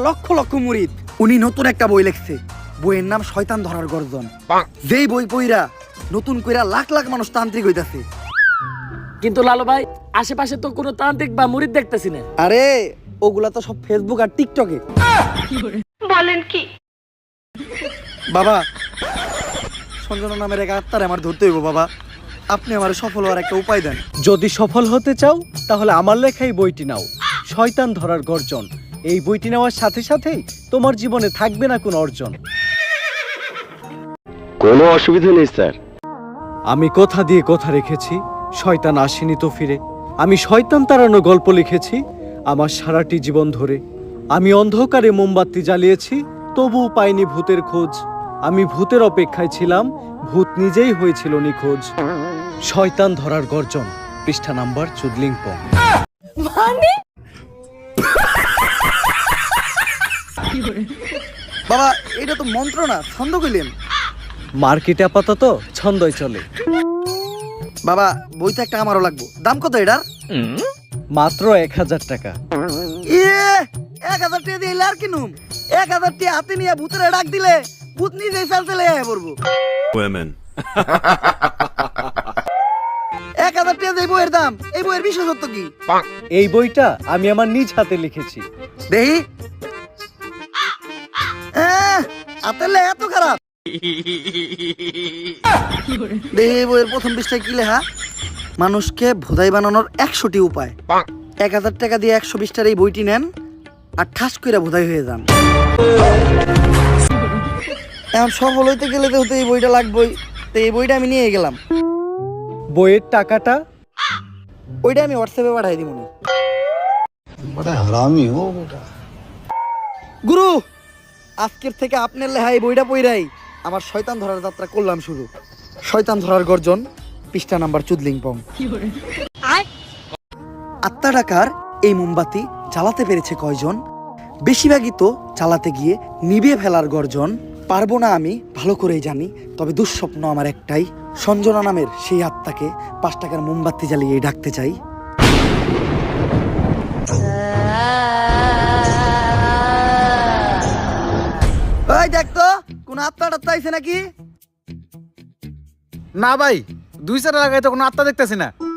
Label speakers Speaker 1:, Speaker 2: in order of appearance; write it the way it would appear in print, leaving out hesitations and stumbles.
Speaker 1: লক্ষ লক্ষ মুরিদ। উনি নতুন একটা বই লিখছে, বইয়ের নাম শয়তান ধরার গর্জন। যেই বই পইরা নতুন কইরা লাখ লাখ মানুষ তান্ত্রিক হইতাছে।
Speaker 2: কিন্তু লালু ভাই, আশেপাশে তো কোনো তান্ত্রিক বা মুরিদ দেখতেছি না।
Speaker 1: আরে ওগুলা তো সব ফেসবুক আর টিকটকে।
Speaker 3: বলেন কি?
Speaker 1: বাবা, সঞ্জনা নামের এক আত্মারে আমার ধরতে হইব বাবা। আপনি আমার সফল হওয়ার একটা উপায় দেন।
Speaker 4: যদি সফল হতে চাও তাহলে আমার লেখা এই বইটি নাও, শয়তান ধরার গর্জন। এই বইটি নেওয়ার সাথে সাথেই তোমার জীবনে থাকবে না কোনো অর্জন।
Speaker 5: কোনো অসুবিধা নেই স্যার।
Speaker 4: আমি কথা দিয়ে কথা রেখেছি, শয়তান আসেনি তো ফিরে। আমি শয়তান তাড়ানো গল্প লিখেছি আমার সারাটি জীবন ধরে। আমি অন্ধকারে মোমবাতি জ্বালিয়েছি, তবুও পাইনি ভূতের খোঁজ। আমি ভূতের অপেক্ষায় ছিলাম, ভূত নিজেই হয়েছিল নিখোঁজ। শয়তান ধরার গর্জন, পৃষ্ঠা নাম্বার চুদলিংপং।
Speaker 3: মানে
Speaker 1: বাবা, এটা তো মন্ত্র না, ছন্দ কইলেন।
Speaker 4: মার্কেটে আপাতত ছন্দই চলে।
Speaker 1: বাবা, বইটা একটা আমারও লাগবো। দাম কত এটার?
Speaker 4: মাত্র 1000 টাকা।
Speaker 1: 1000 টাকা দিয়ে আর কিনুম? 1000 টাকা হাতে নিয়ে ভূতের ডাক দিলে ভূত নিজেই চাল চলে আয় পড়বো। 1000 টাকা দিয়ে বইয়ের দাম, এই বইয়ের বিশেষত্ব কি?
Speaker 4: এই বইটা আমি আমার নিজ হাতে লিখেছি।
Speaker 1: দেহি আতেলে এত খারাপ। দেহি বইয়ের প্রথম পৃষ্ঠায় কি লেখা? মানুষকে ভোদাই বানানোর 100টি উপায়। 1000 টাকা দিয়ে 120টার এই বইটি নেন আর ঠাস কইরা ভোদাই হয়ে যান। এখন সফল হইতে গেলে তো এই বইটা লাগবেই। তো এই বইটা আমি নিয়ে গেলাম।
Speaker 4: বইয়ের টাকাটা
Speaker 1: ওইটা আমি হোয়াটসঅ্যাপে পাঠাই দিব। গুরু, আজকের থেকে আপনার লেখা এই বইটা পইরাই আমার শয়তান ধরার যাত্রা করলাম শুরু। শয়তান ধরার গর্জন, পৃষ্ঠা নাম্বার চুদলিংপং। আত্মা ডাকার এই মোমবাতি জ্বালাতে পেরেছে কয়জন? বেশিরভাগই তো জ্বালাতে গিয়ে নিভিয়ে ফেলার গর্জন। পারবো না আমি ভালো করেই জানি, তবে দুঃস্বপ্ন আমার একটাই, সঞ্জনা নামের সেই আত্মাকে 5 টাকার মোমবাতি জ্বালিয়ে ডাকতে চাই। ওই দেখ তো, কোন আত্মা টাত্মা আইছে নাকি?
Speaker 6: না ভাই, 2 লাগাই তো কোনো আত্মা দেখতেছি না।